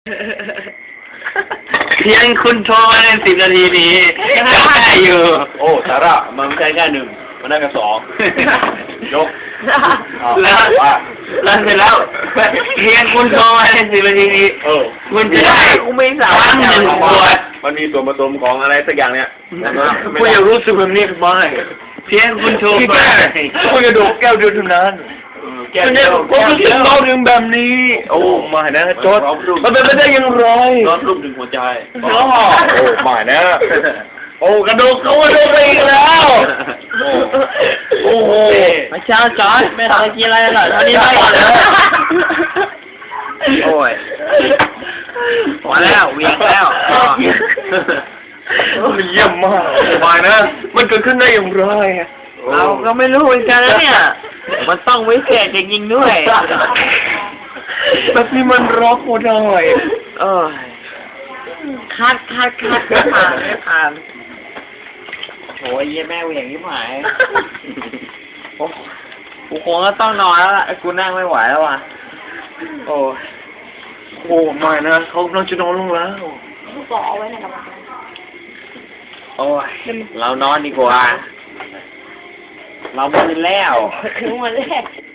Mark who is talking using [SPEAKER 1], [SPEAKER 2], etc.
[SPEAKER 1] เพียงคุณโทรมาใน10 นาทีนี้ได้อยู่
[SPEAKER 2] โอ้สาระมันไม่ใช่แค่1มันได้กัน2ยก
[SPEAKER 1] แล้ว
[SPEAKER 2] ว่า
[SPEAKER 1] แล้วเสร็จแล้วเพียงคุณโทรมาใน10 นาทีนี้คุณจะได้
[SPEAKER 3] กูไม่สา
[SPEAKER 1] ค
[SPEAKER 3] มาร
[SPEAKER 1] รั้
[SPEAKER 3] ถ
[SPEAKER 1] งหนึ่งขวด
[SPEAKER 2] มันมีส่วนผสมของอะไรสักอย่างเนี่ย
[SPEAKER 1] คุณอยากรู้สึกแบบนี้ไหมเพียงคุณโทรมาคุณกระโดดแก้วเดียวเท่านั้นคุณจะผมรู้สึกเราถึงแบบนี้ โอ้ไม่นะจดมันเป็นไปได้ยังไง
[SPEAKER 2] ร้อนรูปถึงหัวใจ
[SPEAKER 1] โอ้ไม่นะโอ้กระโดดเขากระโดดไปอีกแล้วโอ้โห
[SPEAKER 3] ไม่เช้าจอดไม่ทำอะไรกินอะไรหรอกตอนนี้ไม่ก่อนเลยโอ้ยพอแล้วเวียงแล้ว
[SPEAKER 1] มันเยี่ยมมากไม่นะ มันเกิดขึ้นได้อย่างไร
[SPEAKER 3] เราก็ไม่รู้เหมือนกันนะเนี่ย มันต้องวิเศษจริงๆด้วย
[SPEAKER 1] แบบนี้มันร็อกโคได้
[SPEAKER 3] เออคัดไม่ผ่านโอ้ยเยี่ยแม่เหวี่ยงยิ่งหายโอ้กูคงก็ต้องนอนแล้วล่ะกูนั่งไม่ไหวแล้วว่ะโอ้ย
[SPEAKER 1] โอ้ไม่นะเขากำลังจะนอนลงแล้ว
[SPEAKER 4] ลูกบอกเอาไว้ในกระเป๋า
[SPEAKER 3] โอ้ยเรานอนดีกว่า เราไม่เป็นแล้ว
[SPEAKER 4] ถึงวันแรก